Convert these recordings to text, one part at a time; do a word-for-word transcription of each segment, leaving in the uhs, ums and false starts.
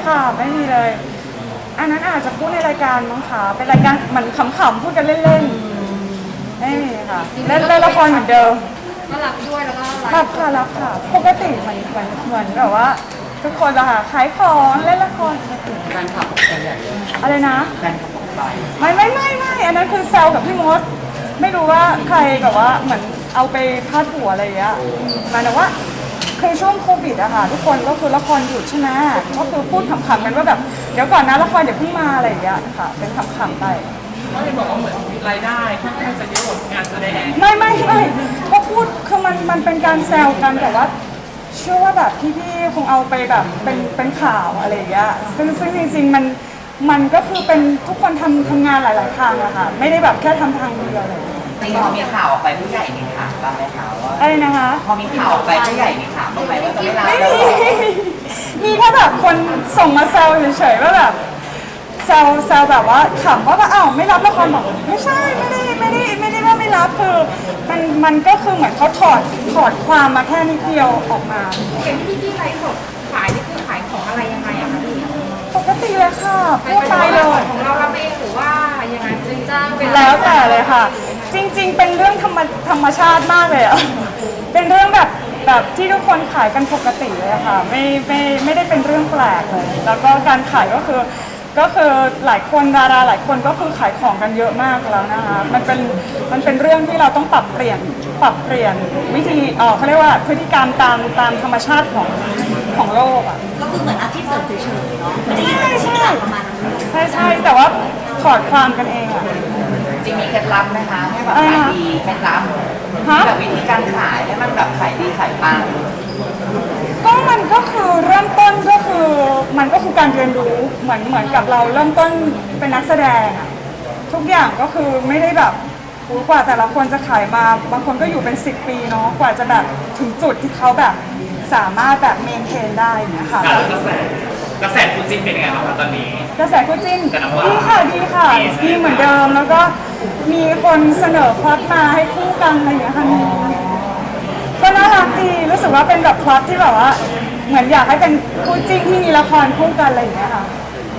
ค่ะไม่มีเลยอันนั้นอาจจะพูดในรายการมั้งคะเป็นรายการเหมือนขำๆพูดกันเล่นๆไม่มีค่ะเล่นเล่นละครเหมือนเดิมก็รับด้วยแล้วก็รับค่ะรับค่ะปกติเหมือนเหมือนเหมือนแบบว่าทุกคนอะค่ะขายของเล่นละครปกติการขับกันใหญ่อะไรนะการขับไปไม่ไม่ไม่ไม่อันนั้นคือแซวกับพี่มดไม่รู้ว่าใครแบบว่าเหมือนเอาไปพาดหัวอะไรอย่างเงี้ยหมายถึงว่าคือช่วงโควิดอะค่ะทุกคนก็คือละครหยุดใช่ไหมก็คือพูดขำๆกันว่าแบบเดี๋ยวก่อนนะละครเดี๋ยวเพิ่งมาอะไรอย่างเงี้ยค่ะเป็นขำๆไปก็เลยบอกว่าเหมือนรายได้ค่อนข้างจะเยอะงานแสดงไม่ไม่ไม่ก็พูดคือมันมันเป็นการแซวกันแต่ว่าเชื่อว่าแบบพี่ๆคงเอาไปแบบเป็นเป็นข่าวอะไรอย่างเงี้ยซึ่งซึ่งจริงๆมันมันก็คือเป็นทุกคนทำทำงานหลายๆทางอะค่ะไม่ได้แบบแค่ทำทางเดียวเลยจริงพอมีข่าวออกไปผู้ใหญ่มีถามบ้างไหมคะว่าอะไรนะคะพอมีข่าวออกไปผู้ใหญ่มีถามบ้างไหมว่าจะไม่รับไม่แล้วมีมีแค่แบบคนส่งมาแซวเฉยๆว่าแบบแซวแซวแบบว่าขำว่าอ้าวไม่รับละครบอกไม่ใช่ไม่ได้ไม่ได้ไม่ได้ว่าไม่รับคือมันมันก็คือเหมือนเขาถอดถอดความมาแค่นิดเดียวออกมาเห็นพี่ที่ไลฟ์สดขายนี่คือขายของอะไรยังไงอะคะพี่ปกติเลยค่ะพูดไปเลยของเรารับเองหรือว่ายังไงเป็นจ้างเป็นแล้วแต่เลยค่ะจริงๆเป็นเรื่องธรรมธรรมชาติมากเลยอะเป็นเรื่องแบบแบบที่ทุกคนขายกันปกติเลยค่ะไม่ไม่ไม่ได้เป็นเรื่องแปลกเลยแล้วก็การขายก็คือก็คือหลายคนดาราหลายคนก็คือขายของกันเยอะมากแล้วนะคะมันเป็นมันเป็นเรื่องที่เราต้องปรับเปลี่ยนปรับเปลี่ยนวิธีเออเขาเรียกว่าพฤติกรรมตามตามธรรมชาติของของโลกอ่ะก็คือเหมือนอาชีพเสริมเฉยๆเนาะไม่ได้ใช่ใช่ประมาณนั้นใช่ใช่แต่ว่าถอดความกันเองอ่ะจริงมีเคล็ดลับไหมคะให้แบบขายดีเคล็ดลับแบบวิธีการขายให้มันแบบขายดีขายปังก็มันก็คือเริ่มต้นก็คือมันก็คือการเรียนรู้เหมือนเหมือนกับเราเริ่มต้นเป็นนักแสดงอะทุกอย่างก็คือไม่ได้แบบกว่าแต่ละคนจะขายมาบางคนก็อยู่เป็นสิบปีเนาะกว่าจะแบบถึงจุดที่เขาแบบสามารถแบบเมนเทนได้นะคะกระแสกระแสคู่จิ้นเป็นยังไงบ้างคะตอนนี้กระแสคู่จิ้นดีค่ะดีค่ะดีเหมือนเดิมแล้วก็มีคนเสนอพล็อตมาให้คู่กันอะไรอย่างเงี้ยค่ะก็น่ารักดีรู้สึกว่าเป็นแบบพล็อตที่แบบว่าเหมือนอยากให้เป็นคู่จิ้นที่มีละครคู่กันอะไรอย่างเงี้ยค่ะ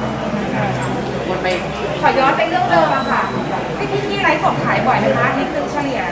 ขอย้อนไปเรื่องเดิมอะค่ะพี่พี่ที่ไลฟ์สดขายบ่อยนะคะนี่คือเฉลี่ย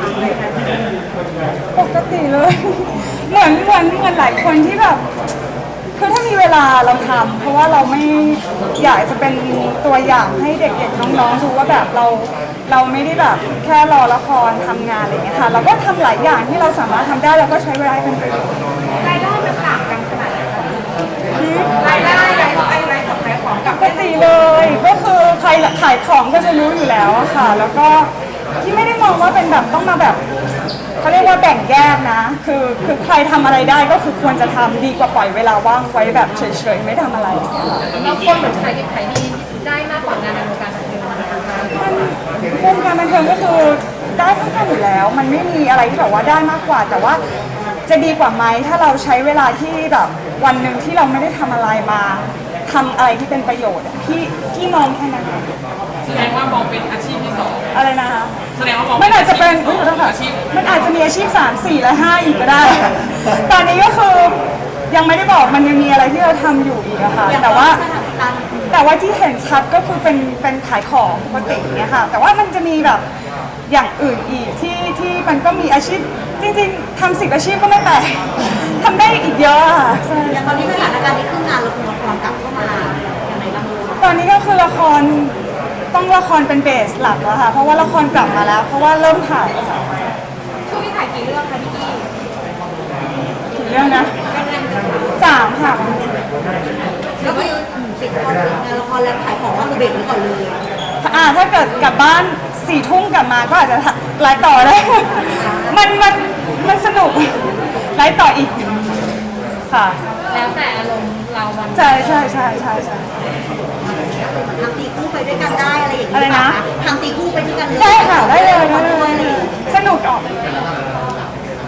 ปกติเลยเหมือนเหมือนเหมือนหลายคนที่แบบคือถ้ามีเวลาเราทำเพราะว่าเราไม่อยากจะเป็นตัวอย่างให้เด็กๆน้องๆรู้ว่าแบบเราเราไม่ได้แบบแค่รอละครทำงานอะไรอย่างเงี้ยค่ะเราก็ทำหลายอย่างที่เราสามารถทำได้เราก็ใช้เวลาเป็นประโยชน์รายได้มันต่างกันขนาดไหนคะรายได้รายได้รายของขายของกับปกติเลยก็คือใครขายของก็จะรู้อยู่แล้วค่ะแล้วก็ที่ไม่ได้มองว่าเป็นแบบต้องมาแบบเขาเรียกว่าแบ่งแยกนะคือคือใครทำอะไรได้ก็คือควรจะทำดีกว่าปล่อยเวลาว่างไว้แบบเฉยๆไม่ทำอะไรเราคนเหมือนขายดีขายดีได้มากกว่างานในวงการบันเทิงมันวงการบันเทิงก็คือได้เท่ากันอยู่แล้วมันไม่มีอะไรที่แบบว่าได้มากกว่าแต่ว่าจะดีกว่าไหมถ้าเราใช้เวลาที่แบบวันหนึ่งที่เราไม่ได้ทำอะไรมาทำอะไรที่เป็นประโยชน์ที่ที่มองแค่นั้นแสดงว่ามองเป็นอาชีพที่สองอะไรนะคะแสดงว่ามองมันอาจจะเป็นอาชีพมันอาจจะมีอาชีพสามสี่และห้าอีกก็ได้ตอนนี้ก็คือยังไม่ได้บอกมันยังมีอะไรที่เราทำอยู่อีกอะค่ะแต่ว่าแต่ว่าที่เห็นชัดก็คือเป็นเป็นขายของปกติเนี่ยค่ะแต่ว่ามันจะมีแบบอย่างอื่นอีกที่ที่มันก็มีอาชีพจริงๆทำสิบอาชีพก็ไม่แปลกทำได้อีกเยอะค่ะอย่างตอนนี้สถานการณ์นี้คืองานละครละครกลับเข้ามาอย่างไรบ้างตอนนี้ก็คือละครต้องละครเป็นเบสหลักแล้วค่ะเพราะว่าละครกลับมาแล้วเพราะว่าเริ่มถ่ายค่ะช่วงนี้ถ่ายกี่เรื่องคะพี่กี้กี่เรื่องนะสามค่ะก็คือติดงานละครแล้วขายของว่าคือเบรกไว้ก่อนเลยอ่าถ้าเกิดกลับบ้านสี่ทุ่มกลับมาก็อาจจะไลฟ์ต่อได้มันมันมันสนุกไลฟ์ต่ออีกค่ะแล้วแต่อารมณ์เราวันใช่ใช่ใช่ใช่ใช่ทำตีคู่ไปด้วยกันได้อะไรอย่างเงี้ยอะไรนะทำตีคู่ไปด้วยกันเลยได้ค่ะได้เลยได้เลยสนุกออก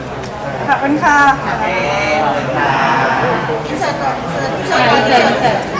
ขอบคุณค่ะอินเสิร์ตอินเสิร์ตอินเสิร์ต